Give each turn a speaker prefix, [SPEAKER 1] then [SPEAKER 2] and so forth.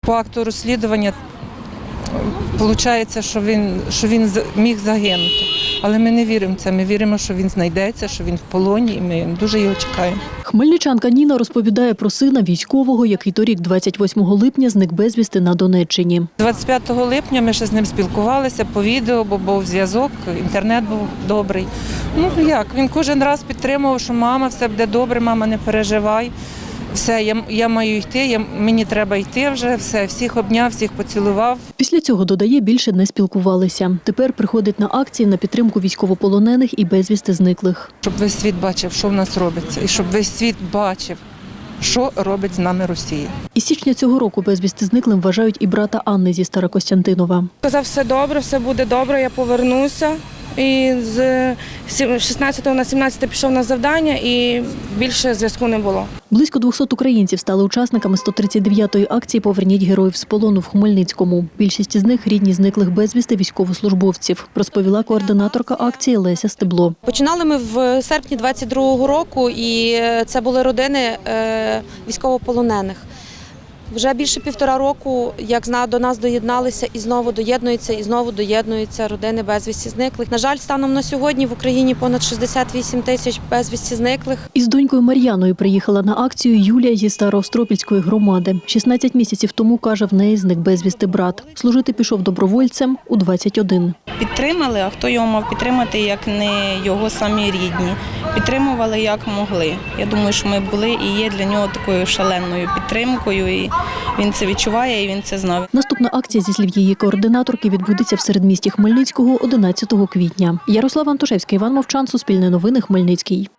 [SPEAKER 1] По акту розслідування виходить, що він міг загинути. Але ми не віримо в це. Ми віримо, що він знайдеться, що він в полоні, і ми дуже його чекаємо.
[SPEAKER 2] Хмельничанка Ніна розповідає про сина військового, який торік 28 липня зник безвісти на Донеччині.
[SPEAKER 1] 25 липня ми ще з ним спілкувалися по відео, бо був зв'язок, інтернет був добрий. Він кожен раз підтримував, що мама, все буде добре, мама, не переживай. Все, я маю йти, мені треба йти вже, все, всіх обняв, всіх поцілував.
[SPEAKER 2] Після цього, додає, більше не спілкувалися. Тепер приходить на акції на підтримку військовополонених і безвісти зниклих.
[SPEAKER 1] Щоб весь світ бачив, що в нас робиться, і щоб весь світ бачив, що робить з нами Росія.
[SPEAKER 2] Із січня цього року безвісти зниклим вважають і брата Анни зі Старокостянтинова.
[SPEAKER 3] Казав, все добре, все буде добре, я повернуся. І з 16 на 17 пішов на завдання і більше зв'язку не було.
[SPEAKER 2] Близько 200 українців стали учасниками 139-ї акції «Поверніть героїв з полону» в Хмельницькому. Більшість із них – рідні зниклих безвісти військовослужбовців, розповіла координаторка акції Леся Стебло.
[SPEAKER 4] Починали ми в серпні 22-го року, і це були родини військовополонених. Вже більше 1,5 року, як до нас доєдналися і знову доєднуються родини безвісті зниклих. На жаль, станом на сьогодні в Україні понад 68 тисяч безвісті зниклих.
[SPEAKER 2] Із донькою Мар'яною приїхала на акцію Юлія зі Староостропільської громади. 16 місяців тому, каже, в неї зник безвісти брат. Служити пішов добровольцем у 21.
[SPEAKER 5] Підтримали, а хто його мав підтримати, як не його самі рідні. Підтримували, як могли. Я думаю, що ми були і є для нього такою шаленою підтримкою. І він це відчуває, і він це знав.
[SPEAKER 2] Наступна акція, зі слів її координаторки, відбудеться в середмісті Хмельницького 11 квітня. Ярослава Антошевська, Іван Мовчан, Суспільне новини, Хмельницький.